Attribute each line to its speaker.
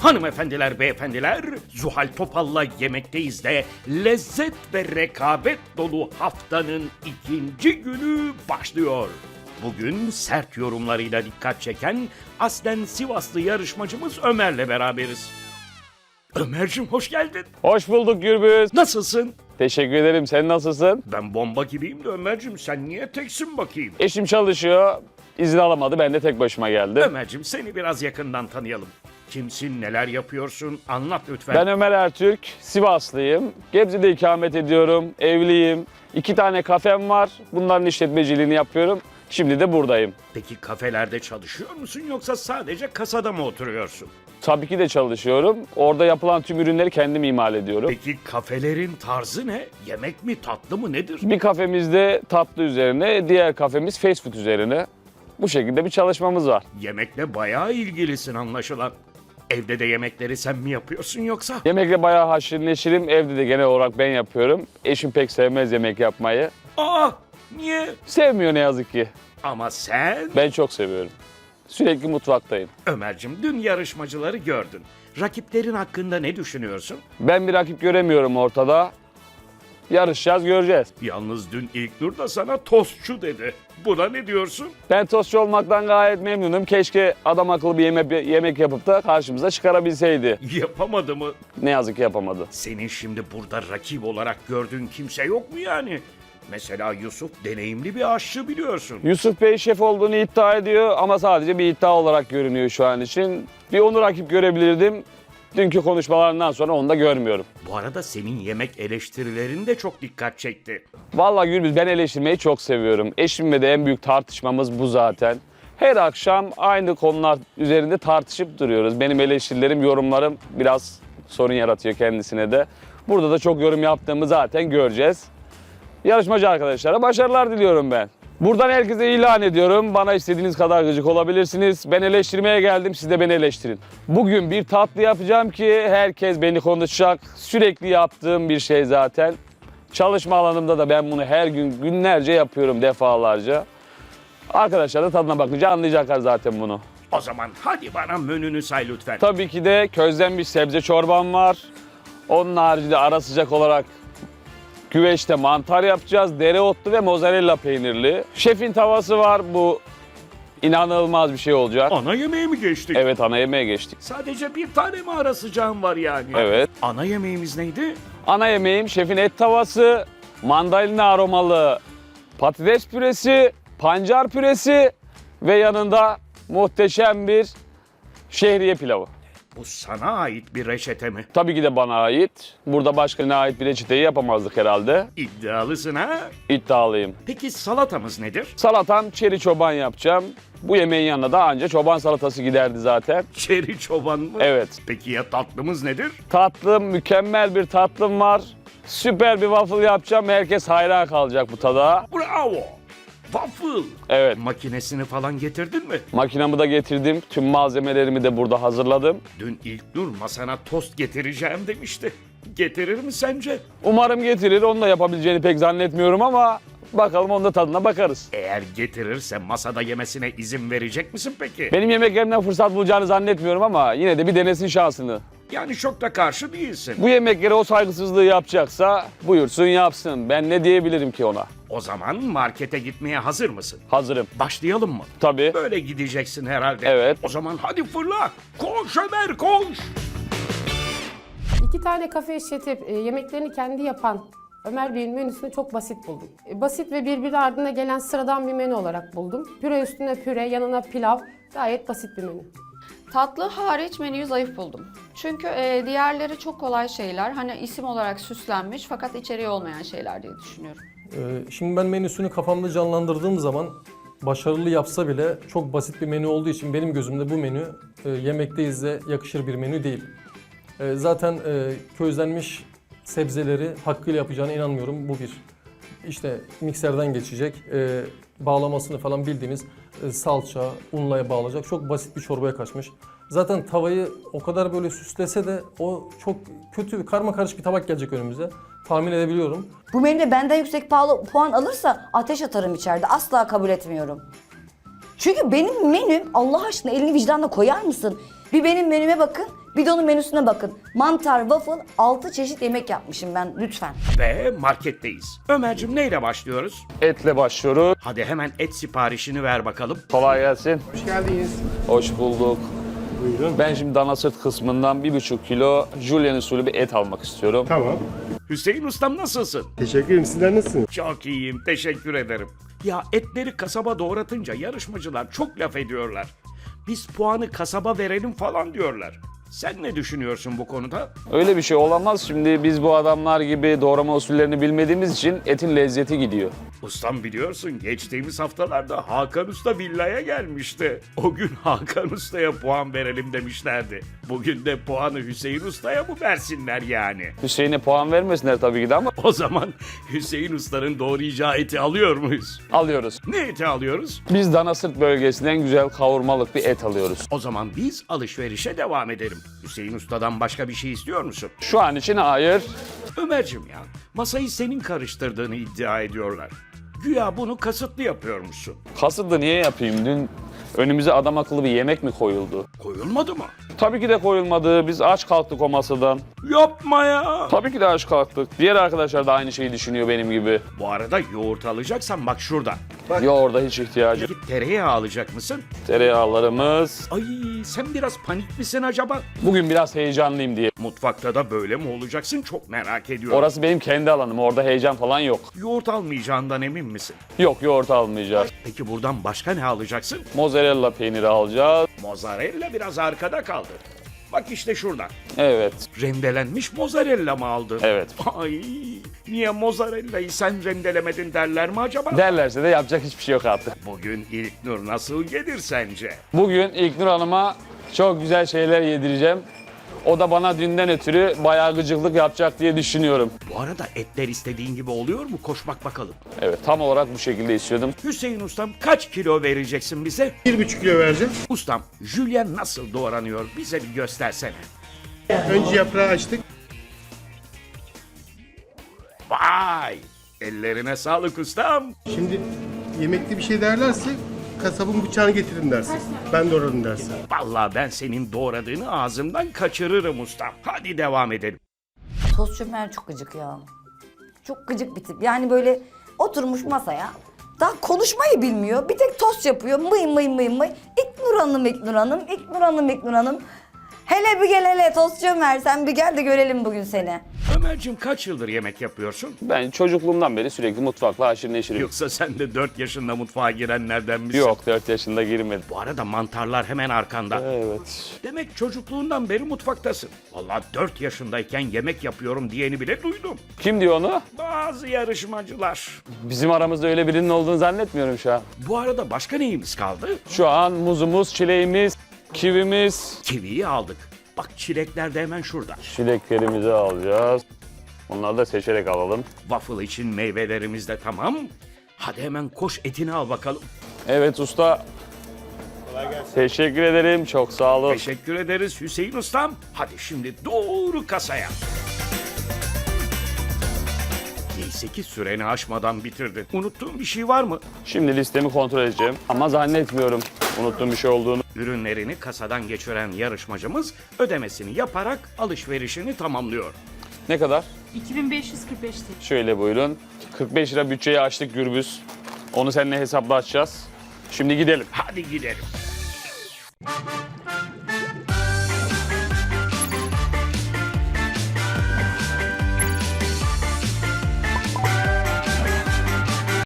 Speaker 1: Hanımefendiler, beyefendiler, Zuhal Topal'la Yemekteyiz de lezzet ve rekabet dolu haftanın ikinci günü başlıyor. Bugün sert yorumlarıyla dikkat çeken aslen Sivaslı yarışmacımız Ömer'le beraberiz. Ömer'cim hoş geldin.
Speaker 2: Hoş bulduk Gürbüz.
Speaker 1: Nasılsın?
Speaker 2: Teşekkür ederim. Sen nasılsın?
Speaker 1: Ben bomba gibiyim de Ömer'cim sen niye teksin bakayım?
Speaker 2: Eşim çalışıyor. İzin alamadı. Ben de tek başıma geldim.
Speaker 1: Ömer'cim seni biraz yakından tanıyalım. Kimsin, neler yapıyorsun? Anlat lütfen.
Speaker 2: Ben Ömer Ertürk. Sivaslıyım. Gebze'de ikamet ediyorum. Evliyim. 2 tane kafem var. Bunların işletmeciliğini yapıyorum. Şimdi de buradayım.
Speaker 1: Peki kafelerde çalışıyor musun yoksa sadece kasada mı oturuyorsun?
Speaker 2: Tabii ki de çalışıyorum. Orada yapılan tüm ürünleri kendim imal ediyorum.
Speaker 1: Peki kafelerin tarzı ne? Yemek mi, tatlı mı, nedir?
Speaker 2: Bir kafemizde tatlı üzerine, diğer kafemiz fast food üzerine. Bu şekilde bir çalışmamız var.
Speaker 1: Yemekle bayağı ilgilisin anlaşılan. Evde de yemekleri sen mi yapıyorsun yoksa?
Speaker 2: Yemekle bayağı haşır neşirim. Evde de genel olarak ben yapıyorum. Eşim pek sevmez yemek yapmayı.
Speaker 1: Aa, niye?
Speaker 2: Sevmiyor ne yazık ki.
Speaker 1: Ama sen...
Speaker 2: Ben çok seviyorum. Sürekli mutfaktayım.
Speaker 1: Ömer'cim dün yarışmacıları gördün. Rakiplerin hakkında ne düşünüyorsun?
Speaker 2: Ben bir rakip göremiyorum ortada. Yarışacağız, göreceğiz.
Speaker 1: Yalnız dün İlknur da sana tostçu dedi. Buna ne diyorsun?
Speaker 2: Ben tostçu olmaktan gayet memnunum. Keşke adam akıllı bir yemek yapıp da karşımıza çıkarabilseydi.
Speaker 1: Yapamadı mı?
Speaker 2: Ne yazık ki yapamadı.
Speaker 1: Senin şimdi burada rakip olarak gördüğün kimse yok mu yani? Mesela Yusuf deneyimli bir aşçı biliyorsun.
Speaker 2: Yusuf Bey şef olduğunu iddia ediyor ama sadece bir iddia olarak görünüyor şu an için. Bir onu rakip görebilirdim. Dünkü konuşmalarından sonra onu da görmüyorum.
Speaker 1: Bu arada senin yemek eleştirilerin de çok dikkat çekti.
Speaker 2: Vallahi Gürbüz, ben eleştirmeyi çok seviyorum. Eşimle de en büyük tartışmamız bu zaten. Her akşam aynı konular üzerinde tartışıp duruyoruz. Benim eleştirilerim, yorumlarım biraz sorun yaratıyor kendisine de. Burada da çok yorum yaptığımı zaten göreceğiz. Yarışmacı arkadaşlara başarılar diliyorum ben. Buradan herkese ilan ediyorum. Bana istediğiniz kadar gıcık olabilirsiniz. Ben eleştirmeye geldim, siz de beni eleştirin. Bugün bir tatlı yapacağım ki herkes beni konuşacak. Sürekli yaptığım bir şey zaten. Çalışma alanımda da ben bunu her gün günlerce yapıyorum, defalarca. Arkadaşlar da tadına bakınca anlayacaklar zaten bunu.
Speaker 1: O zaman hadi bana menünü say lütfen.
Speaker 2: Tabii ki de közlenmiş sebze çorbam var. Onun haricinde ara sıcak olarak güveçte mantar yapacağız. Dereotlu ve mozzarella peynirli. Şefin tavası var. Bu inanılmaz bir şey olacak.
Speaker 1: Ana yemeğe mi geçtik?
Speaker 2: Evet, ana yemeğe geçtik.
Speaker 1: Sadece bir tane mi ara sıcağın var yani?
Speaker 2: Evet.
Speaker 1: Ana yemeğimiz neydi?
Speaker 2: Ana yemeğim şefin et tavası, mandalina aromalı patates püresi, pancar püresi ve yanında muhteşem bir şehriye pilavı.
Speaker 1: Bu sana ait bir reçete mi?
Speaker 2: Tabii ki de bana ait. Burada başkasına ait bir reçeteyi yapamazdık herhalde.
Speaker 1: İddialısın ha?
Speaker 2: İddialıyım.
Speaker 1: Peki salatamız nedir?
Speaker 2: Salatam çeri çoban yapacağım. Bu yemeğin yanına da anca çoban salatası giderdi zaten.
Speaker 1: Çeri çoban mı?
Speaker 2: Evet.
Speaker 1: Peki ya tatlımız nedir?
Speaker 2: Tatlım, mükemmel bir tatlım var. Süper bir waffle yapacağım. Herkes hayran kalacak bu tada.
Speaker 1: Bravo! Waffle!
Speaker 2: Evet.
Speaker 1: Makinesini falan getirdin mi?
Speaker 2: Makinamı da getirdim. Tüm malzemelerimi de burada hazırladım.
Speaker 1: Dün İlknur masana tost getireceğim demişti. Getirir mi sence?
Speaker 2: Umarım getirir. Onu da yapabileceğini pek zannetmiyorum ama bakalım, onun da tadına bakarız.
Speaker 1: Eğer getirirse masada yemesine izin verecek misin peki?
Speaker 2: Benim yemeklerimden fırsat bulacağını zannetmiyorum ama yine de bir denesin şansını.
Speaker 1: Yani çok da karşı değilsin.
Speaker 2: Bu yemeklere o saygısızlığı yapacaksa buyursun yapsın. Ben ne diyebilirim ki ona?
Speaker 1: O zaman markete gitmeye hazır mısın?
Speaker 2: Hazırım.
Speaker 1: Başlayalım mı?
Speaker 2: Tabii.
Speaker 1: Böyle gideceksin herhalde.
Speaker 2: Evet.
Speaker 1: O zaman hadi fırla. Koş Ömer koş.
Speaker 3: 2 tane kafe işletip yemeklerini kendi yapan Ömer Bey'in menüsünü çok basit buldum. Basit ve birbiri ardına gelen sıradan bir menü olarak buldum. Püre üstüne püre, yanına pilav. Gayet basit bir menü.
Speaker 4: Tatlı hariç menüyü zayıf buldum. Çünkü diğerleri çok kolay şeyler. Hani isim olarak süslenmiş fakat içeriği olmayan şeyler diye düşünüyorum.
Speaker 5: Şimdi ben menüsünü kafamda canlandırdığım zaman başarılı yapsa bile çok basit bir menü olduğu için benim gözümde bu menü Yemekteyiz'e yakışır bir menü değil. Zaten közlenmiş sebzeleri hakkıyla yapacağına inanmıyorum. Bu bir. İşte mikserden geçecek, bağlamasını falan bildiğimiz salça, unla bağlayacak. Çok basit bir çorbaya kaçmış. Zaten tavayı o kadar böyle süslese de o çok kötü, karmakarışık bir tabak gelecek önümüze. Tahmin edebiliyorum.
Speaker 6: Bu menüde benden yüksek puan alırsa ateş atarım içeride. Asla kabul etmiyorum. Çünkü benim menüm, Allah aşkına elini vicdanla koyar mısın? Bir benim menüme bakın. Bir de onun menüsüne bakın. Mantar, waffle, 6 çeşit yemek yapmışım ben lütfen.
Speaker 1: Ve marketteyiz. Ömer'cim neyle başlıyoruz?
Speaker 2: Etle başlıyoruz.
Speaker 1: Hadi hemen et siparişini ver bakalım.
Speaker 2: Kolay gelsin.
Speaker 7: Hoş geldiniz.
Speaker 2: Hoş bulduk.
Speaker 7: Buyurun.
Speaker 2: Ben şimdi dana sırt kısmından 1,5 kilo Julian usulü bir et almak istiyorum.
Speaker 7: Tamam.
Speaker 1: Hüseyin ustam nasılsın?
Speaker 7: Teşekkür ederim. Sizler nasılsınız?
Speaker 1: Çok iyiyim, teşekkür ederim. Ya etleri kasaba doğratınca yarışmacılar çok laf ediyorlar. Biz puanı kasaba verelim falan diyorlar. Sen ne düşünüyorsun bu konuda?
Speaker 2: Öyle bir şey olamaz. Şimdi biz bu adamlar gibi doğrama usullerini bilmediğimiz için etin lezzeti gidiyor.
Speaker 1: Ustam biliyorsun geçtiğimiz haftalarda Hakan Usta villaya gelmişti. O gün Hakan Usta'ya puan verelim demişlerdi. Bugün de puanı Hüseyin Usta'ya mı versinler yani?
Speaker 2: Hüseyin'e puan vermesinler tabii ki de ama
Speaker 1: O zaman Hüseyin Usta'nın doğrayacağı eti alıyor muyuz?
Speaker 2: alıyoruz.
Speaker 1: Ne eti alıyoruz?
Speaker 2: Biz dana sırt bölgesinden güzel kavurmalık bir et alıyoruz.
Speaker 1: O zaman biz alışverişe devam edelim. Hüseyin Usta'dan başka bir şey istiyor musun?
Speaker 2: Şu an için hayır.
Speaker 1: Ömer'cim ya, masayı senin karıştırdığını iddia ediyorlar. Güya bunu kasıtlı yapıyormuşsun.
Speaker 2: Kasıtlı niye yapayım? Dün önümüze adam akıllı bir yemek mi koyuldu?
Speaker 1: Koyulmadı mı?
Speaker 2: Tabii ki de koyulmadı. Biz aç kalktık o masadan.
Speaker 1: Yapma ya.
Speaker 2: Tabii ki de aç kalktık. Diğer arkadaşlar da aynı şeyi düşünüyor benim gibi.
Speaker 1: Bu arada yoğurt alacaksan bak şurada.
Speaker 2: Yoğurda hiç ihtiyacı.
Speaker 1: Git tereyağı alacak mısın?
Speaker 2: Tereyağlarımız.
Speaker 1: Ay sen biraz panik misin acaba?
Speaker 2: Bugün biraz heyecanlıyım diye.
Speaker 1: Mutfakta da böyle mi olacaksın çok merak ediyorum.
Speaker 2: Orası benim kendi alanım. Orada heyecan falan yok.
Speaker 1: Yoğurt almayacağından emin misin?
Speaker 2: Yok, yoğurt almayacağız.
Speaker 1: Peki buradan başka ne alacaksın?
Speaker 2: Mozzarella peyniri alacağız.
Speaker 1: Mozzarella biraz arkada kaldı. Bak işte şurada.
Speaker 2: Evet.
Speaker 1: Rendelenmiş mozzarella mı aldın?
Speaker 2: Evet.
Speaker 1: Ay niye mozzarella'yı sen rendelemedin derler mi acaba?
Speaker 2: Derlerse de yapacak hiçbir şey yok artık.
Speaker 1: Bugün İlknur nasıl gelir sence?
Speaker 2: Bugün İlknur Hanım'a çok güzel şeyler yedireceğim. O da bana dünden ötürü bayağı gıcıklık yapacak diye düşünüyorum.
Speaker 1: Bu arada etler istediğin gibi oluyor mu? Koş bak bakalım.
Speaker 2: Evet, tam olarak bu şekilde istiyordum.
Speaker 1: Hüseyin ustam kaç kilo vereceksin bize?
Speaker 7: 1,5 kilo vereceğim.
Speaker 1: Ustam, jülyen nasıl doğranıyor? Bize bir göstersene.
Speaker 7: Önce yaprağı açtık.
Speaker 1: Vay! Ellerine sağlık ustam.
Speaker 7: Şimdi yemekte bir şey derlerse kasabın bıçağını getirin dersin. Ben doğradım dersin.
Speaker 1: Vallahi ben senin doğradığını ağzımdan kaçırırım ustam. Hadi devam edelim.
Speaker 6: Tost Ömer çok gıcık ya. Çok gıcık bir tip. Yani böyle oturmuş masaya. Daha konuşmayı bilmiyor. Bir tek tost yapıyor. Mıy mıy mıy mıy. İlknur Hanım, İlknur Hanım, İlknur Hanım, İlknur Hanım. Hele bir gel hele Tostçu Ömer. Sen bir gel de görelim bugün seni.
Speaker 1: Ömerciğim kaç yıldır yemek yapıyorsun?
Speaker 2: Ben çocukluğumdan beri sürekli mutfakla haşır neşirim.
Speaker 1: Yoksa sen de 4 yaşında mutfağa girenlerden misin?
Speaker 2: Yok, 4 yaşında girmedim.
Speaker 1: Bu arada mantarlar hemen arkanda.
Speaker 2: Evet.
Speaker 1: Demek çocukluğundan beri mutfaktasın. Vallahi 4 yaşındayken yemek yapıyorum diyeni bile duydum.
Speaker 2: Kim diyor onu?
Speaker 1: Bazı yarışmacılar.
Speaker 2: Bizim aramızda öyle birinin olduğunu zannetmiyorum şu an.
Speaker 1: Bu arada başka neyimiz kaldı?
Speaker 2: Şu an muzumuz, çileğimiz, kivimiz,
Speaker 1: Kiviyi aldık. Bak çilekler de hemen şurada.
Speaker 2: çileklerimizi alacağız. Onları da seçerek alalım.
Speaker 1: Waffle için meyvelerimiz de tamam. Hadi hemen koş etini al bakalım.
Speaker 2: Evet usta. Teşekkür ederim. Çok sağ olun.
Speaker 1: Teşekkür ederiz Hüseyin ustam. Hadi şimdi doğru kasaya. Neyse ki süreni aşmadan bitirdin. Unuttuğun bir şey var mı?
Speaker 2: Şimdi listemi kontrol edeceğim. Ama zannetmiyorum unuttuğum bir şey olduğunu.
Speaker 1: Ürünlerini kasadan geçiren yarışmacımız ödemesini yaparak alışverişini tamamlıyor.
Speaker 2: Ne kadar?
Speaker 8: 2545 TL.
Speaker 2: Şöyle buyurun. 45 lira bütçeyi açtık Gürbüz. Onu seninle hesaplaşacağız. Şimdi gidelim.
Speaker 1: Hadi gidelim.